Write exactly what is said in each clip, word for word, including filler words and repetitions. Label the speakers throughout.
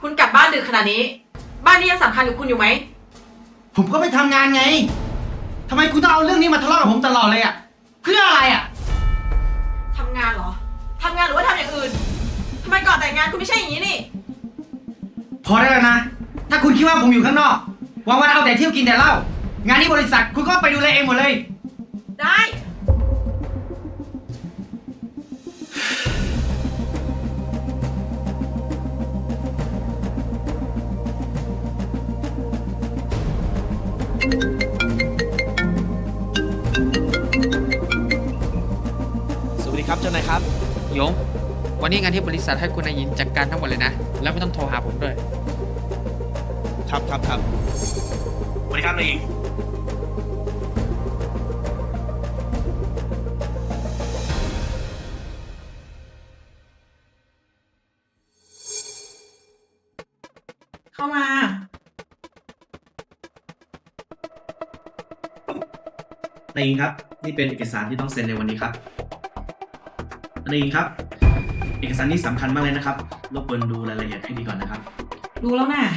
Speaker 1: คุณกลับบ้านดึกขนาดนี้ บ้านนี้ยังสำคัญกับคุณอยู่ไหม
Speaker 2: ผมก็ไปทำงานไงทำไมคุณต้องเอาเรื่องนี้มาทะเลาะกับผมตลอดเลยอะเพื่ออะไรอะ
Speaker 1: ทำงานเหรอ ทำงานหรือว่าทำอย่างอื่น ทำไมก่อนแต่งงานคุณไม่ใช่อย่างนี้นี่
Speaker 2: พอได้แล้วนะ ถ้าคุณคิดว่าผมอยู่ข้างนอกวันวันๆเอาแต่เที่ยวกินแต่เหล้างานที่บริษัทคุณก็ไปดูแลเองหมดเลย
Speaker 1: ได้
Speaker 3: สวัสดีครับเจ้านายครับ
Speaker 4: หยง วันนี้งานที่บริษัทให้คุณนายหญิงจัดการทั้งหมดเลยนะ แล้วไม่ต้องโทรหาผมด้วย
Speaker 3: ครับครับครับสวัสดีครับนายหญิง
Speaker 1: เข้ามา
Speaker 5: นายหญิงครับนี่เป็นเอกสารที่ต้องเซ็นในวันนี้ครับนายหญิงครับ เอกสารนี้สำคัญมากเลยนะครับรบกวนดูรายละเอียดให้ดีก่อนนะครับ
Speaker 1: ดูแล้วน่ะ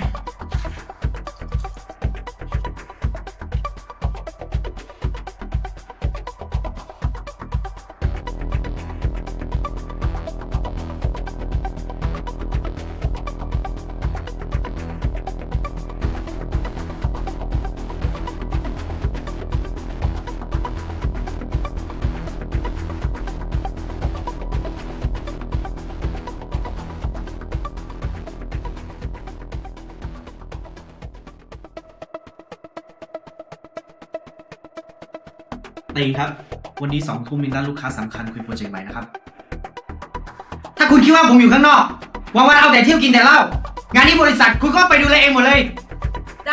Speaker 5: นายหญิงครับ วันนี้สองทุ่มมีนัดลูกค้าสำคัญคุยโปรเจกต์ใหม่นะครับ
Speaker 2: ถ้าคุณคิดว่าผมอยู่ข้างนอกวันวันๆเอาแต่เที่ยวกินแต่เหล้างานที่บริษัทคุณก็ไปดูแลเองหมดเลย
Speaker 1: ได้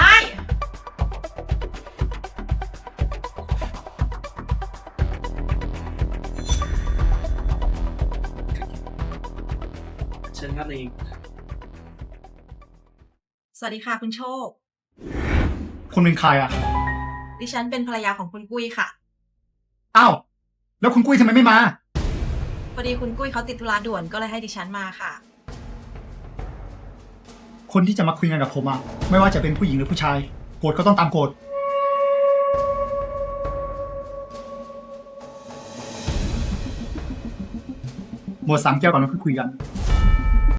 Speaker 5: เชิญครับนายหญิง
Speaker 1: สวัสดีค่ะคุณโชค
Speaker 6: คุณเป็นใครอ่ะ
Speaker 1: ดิฉันเป็นภรรยาของคุณกุ้ยค่ะ
Speaker 6: อ้าว แล้วคุณกุ้ยทำไมไม่มา
Speaker 1: พอดีคุณกุ้ยเขาติดธุระด่วนก็เลยให้ดิฉันมาค่ะ
Speaker 6: คนที่จะมาคุยงานกับผมอ่ะ ไม่ว่าจะเป็นผู้หญิงหรือผู้ชาย โกรธก็ต้องตามโกรธหมดสามแก้วก่อนแล้วค่อยคุยกัน